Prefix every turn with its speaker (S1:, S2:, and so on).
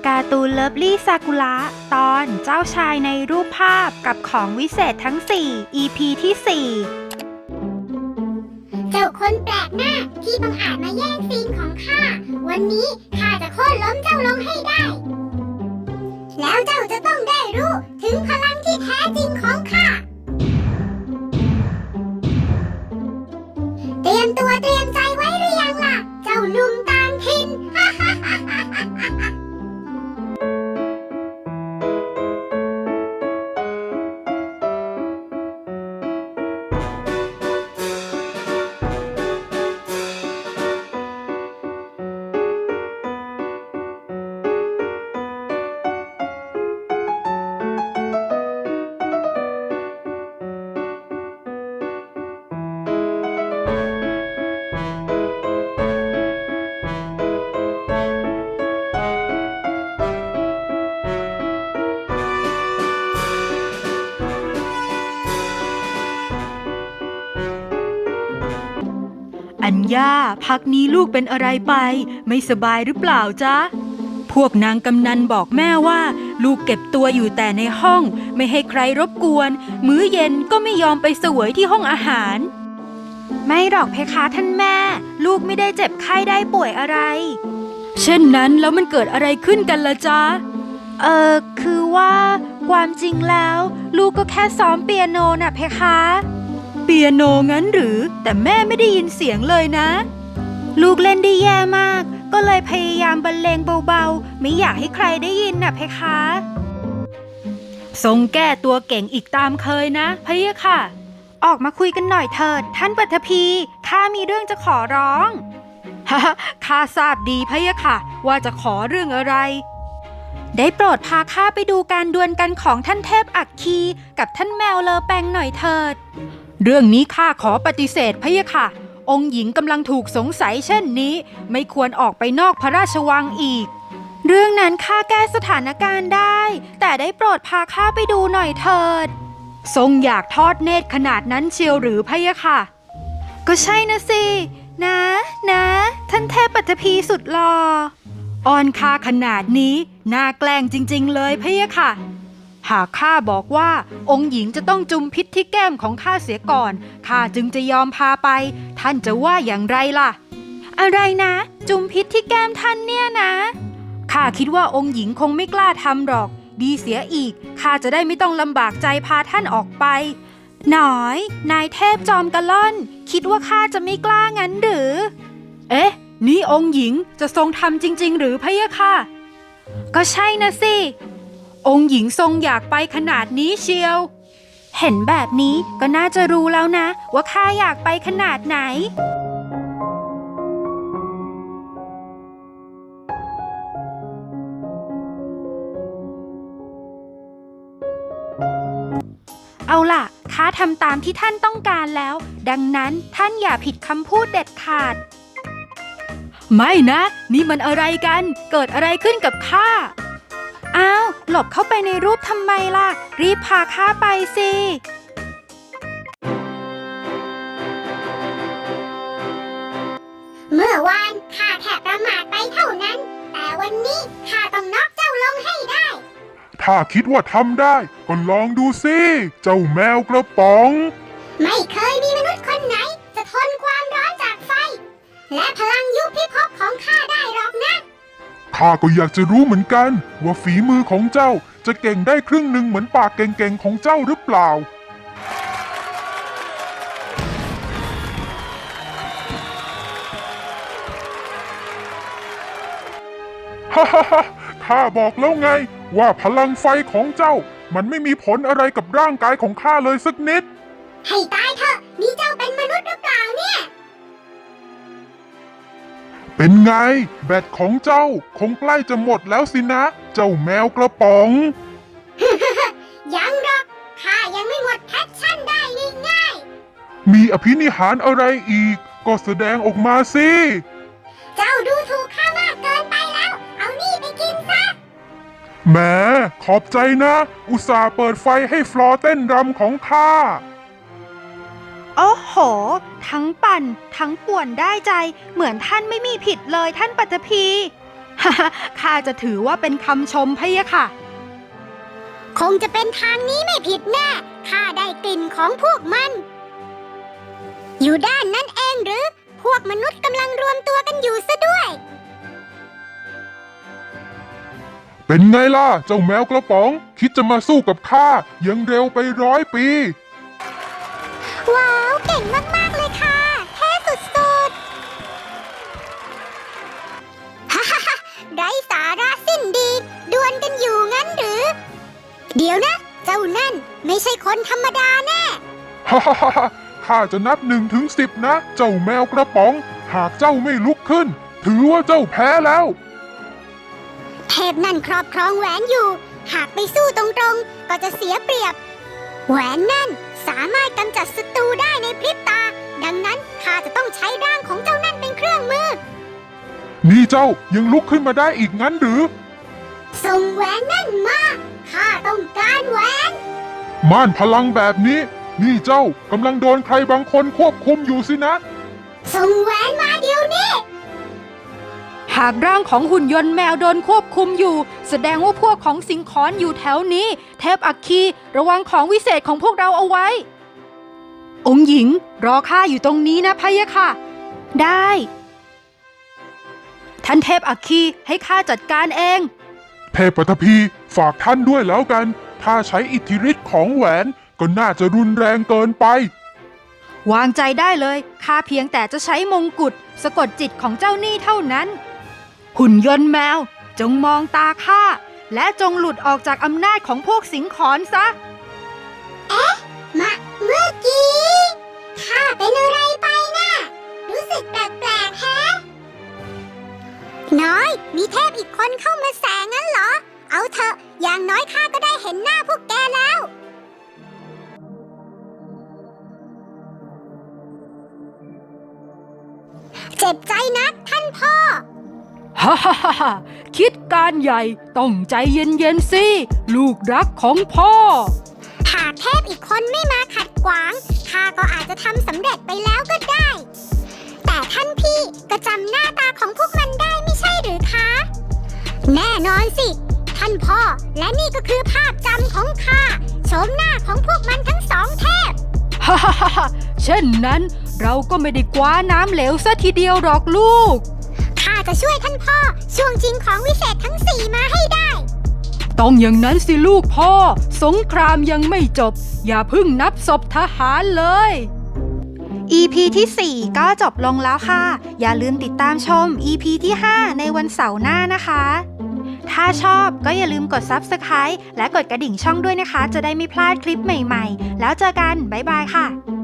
S1: การ์ตูนเลิฟลี่ซากุระตอนเจ้าชายในรูปภาพกับของวิเศษทั้ง 4 EP ที่
S2: 4 เจ้าคนแปลกหน้าที่บังอาจมาแย่งซีนของข้าวันนี้ข้าจะโค่นล้มเจ้าลงให้ได้ แล้วเจ้าจะต้องได้รู้ถึงพลังที่แท้จริงของข้าเตรียมตัวเตรียมใจไว้หรือยังล่ะเจ้าหนุ่มต่างถิ่น
S1: 4 อัญญาพักนี้ลูกเป็นอะไรไปไม่สบายหรือเปล่าจ๊ะพวกนางกำนันบอกแม่ว่าลูกเก็บตัวอยู่แต่ในห้องไม่ให้ใครรบกวนมื้อเย็นก็ไม่ยอมไปเสวยที่ห้องอาหารไม่หรอกเพคะท่านแม่ลูกไม่ได้เจ็บไข้ได้ป่วยอะไรเช่นนั้นแล้วมันเกิดอะไรขึ้นกันล่ะจ๊ะคือว่าความจริงแล้วลูกก็แค่ซ้อมเปียโนน่ะเพคะเปียโนงั้นหรือแต่แม่ไม่ได้ยินเสียงเลยนะลูกเล่นได้แย่มากก็เลยพยายามบรรเลงเบาๆไม่อยากให้ใครได้ยินน่ะเพคะทรงแก้ตัวเก่งอีกตามเคยนะพะยะค่ะออกมาคุยกันหน่อยเถิดท่านปัทภีข้ามีเรื่องจะขอร้องฮ่าข้าทราบดีพะยะค่ะว่าจะขอเรื่องอะไรได้โปรดพาข้าไปดูการดวลกันของท่านเทพอัคคีกับท่านแมวเลอแปงหน่อยเถิดเรื่องนี้ข้าขอปฏิเสธพะยะค่ะองค์หญิงกำลังถูกสงสัยเช่นนี้ไม่ควรออกไปนอกพระราชวังอีกเรื่องนั้นข้าแก้สถานการณ์ได้แต่ได้โปรดพาข้าไปดูหน่อยเถิดทรงอยากทอดเนตรขนาดนั้นเชียวหรือพะยะค่ะก็ใช่นะสินะท่านเทพปัทภีสุดหล่ออ่อนข้าขนาดนี้น่าแกล้งจริงๆเลยพะยะค่ะหากข้าบอกว่าองค์หญิงจะต้องจุมพิษที่แก้มของข้าเสียก่อนข้าจึงจะยอมพาไปท่านจะว่าอย่างไรล่ะอะไรนะจุมพิษที่แก้มท่านเนี่ยนะข้าคิดว่าองค์หญิงคงไม่กล้าทำหรอกดีเสียอีกข้าจะได้ไม่ต้องลำบากใจพาท่านออกไปหน่อยนายเทพจอมกะล่อนคิดว่าข้าจะไม่กล้างั้นหรือเอ๊ะนี่องค์หญิงจะทรงทำจริงๆหรือพะยะค่ะก็ใช่นะสิองค์หญิงทรงอยากไปขนาดนี้เชียวเห็นแบบนี้ก็น่าจะรู้แล้วนะว่าข้าอยากไปขนาดไหนเอาล่ะข้าทำตามที่ท่านต้องการแล้วดังนั้นท่านอย่าผิดคำพูดเด็ดขาดไม่นะนี่มันอะไรกันเกิดอะไรขึ้นกับข้าอ้าวหลบเข้าไปในรูปทำไมล่ะรีบพาข้าไปสิ
S2: เมื่อวานข้าแค่ประมาทไปเท่านั้นแต่วันนี้ข้าต้องน็อกเจ้าลงให้ได้
S3: ถ้าคิดว่าทำได้ก็ลองดูสิเจ้าแมวกระป๋อง
S2: ไม่เคยมีมนุษย์คนไหนจะทนความร้อนจากไฟและพลังยุบพิภพของข้าได้หรอกนะ
S3: ข้าก็อยากจะรู้เหมือนกันว่าฝีมือของเจ้าจะเก่งได้ครึ่งหนึ่งเหมือนปากเก่งๆของเจ้าหรือเปล่าฮ่าฮ่าฮ่าข้าบอกแล้วไงว่าพลังไฟของเจ้ามันไม่มีผลอะไรกับร่างกายของข้าเลยสักนิด
S2: ให้ตายเถอะนี่เจ้าเป็นมนุษย์หรือเปล่าเนี่ย
S3: เป็นไงแบตของเจ้าคงใกล้จะหมดแล้วสินะเจ้าแมวกระป๋อง
S2: ยังหรอกข้ายังไม่หมดแพชชั่นได้ง่าย
S3: ๆมีอภินิหารอะไรอีกก็แสดงออกมาสิ
S2: เจ้าดูถูกข้ามากเกินไปแล้วเอานี่ไปกินซะ
S3: แหมขอบใจนะอุตส่าห์เปิดไฟให้ฟลอร์เต้นรำของข้า
S1: โอ้โหทั้งปั่นทั้งป่วนได้ใจเหมือนท่านไม่มีผิดเลยท่านปัทภีข้าจะถือว่าเป็นคำชมพะยะค่ะ
S2: คงจะเป็นทางนี้ไม่ผิดแน่ข้าได้กลิ่นของพวกมัน อยู่ด้านนั้นเองหรือ พวกมนุษย์กำลังรวมตัวกันอยู่ซะด้วย
S3: เป็นไงล่ะ เจ้าแมวกระป๋อง คิดจะมาสู้กับข้ายังเร็วไป100 ปี
S2: ว้าว เก่งมากๆเลยค่ะเท่สุดๆ ฮ่าฮ่าไร้สาระสิ้นดีดวลกันอยู่งั้นหรือ เดี๋ยวนะ เจ้านั่นไม่ใช่คนธรรมดาแน่
S3: ฮ่าฮ่าฮ่าข้าจะนับ1 ถึง 10นะ เจ้าแมวกระป๋อง หากเจ้าไม่ลุกขึ้น ถือว่าเจ้าแพ้แล้ว
S2: เทพนั่นครอบครองแหวนอยู่ หากไปสู้ตรงๆ ก็จะเสียเปรียบ แหวนนั่นสามารถกำจัดศัตรูได้ในพริบตา ดังนั้นข้าจะต้องใช้ร่างของเจ้านั่นเป็นเครื่องมือ
S3: นี่เจ้ายังลุกขึ้นมาได้อีกงั้นหรือ
S2: ส่งแหวนนั่นมา ข้าต้องการแหวน
S3: ม่านพลังแบบนี้ นี่เจ้ากำลังโดนใครบางคนควบคุมอยู่สินะ
S2: ส่งแหวนมาเดี๋ยวนี้
S1: หากร่างของหุ่นยนต์แมวโดนควบคุมอยู่ แสดงว่าพวกของสิงคอนอยู่แถวนี้ เทพอัคคีระวังของวิเศษของพวกเราเอาไว้ องค์หญิงรอข้าอยู่ตรงนี้นะพะยะค่ะ ได้ ท่านเทพอัคคีให้ข้าจัดการเอง
S3: เทพปฐพีฝากท่านด้วยแล้วกัน ถ้าใช้อิทธิฤทธิ์ของแหวนก็น่าจะรุนแรงเกินไป
S1: วางใจได้เลยข้าเพียงแต่จะใช้มงกุฎสะกดจิตของเจ้าหนี้เท่านั้น หุ่นยนต์แมวจงมองตาข้าและจงหลุดออกจากอำนาจของพวกสิงขอนซะ
S2: เมื่อกี้ข้าเป็นอะไรไปนะรู้สึกแปลกๆแฮะน้อย มีเทพอีกคนเข้ามาแสงงั้นเหรอ เอาเถอะ อย่างน้อยข้าก็ได้เห็นหน้าพวกแกแล้ว เจ็บใจนักท่านพ่อ
S1: ฮ่าฮ่าฮ่าฮ่าคิดการใหญ่ต้องใจเย็นๆสิ ลูกรักของพ่อ
S2: หากเทพอีกคนไม่มาขัดขวางข้าก็อาจจะทำสำเร็จไปแล้วก็ได้ แต่ท่านพี่ก็จำหน้าตาของพวกมันได้ไม่ใช่หรือคะ แน่นอนสิ ท่านพ่อ และนี่ก็คือภาพจำของข้าโฉมหน้าของพวกมันทั้งสองเทพ
S1: ฮ่าฮ่าฮ่าฮ่าเช่นนั้นเราก็ไม่ได้คว้าน้ำเหลวซะทีเดียวหรอกลูก
S2: ข้าจะช่วยท่านพ่อช่วงชิงของวิเศษทั้งสี่มาให้ได้
S1: ต้องอย่างนั้นสิลูกพ่อ สงครามยังไม่จบ อย่าเพิ่งนับศพทหารเลย EP ที่ 4 ก็จบลงแล้วค่ะ อย่าลืมติดตามชม EP ที่ 5 ในวันเสาร์หน้านะคะ ถ้าชอบก็อย่าลืมกด Subscribe และกดกระดิ่งช่องด้วยนะคะ จะได้ไม่พลาดคลิปใหม่ๆ แล้วเจอกัน บ๊ายบายค่ะ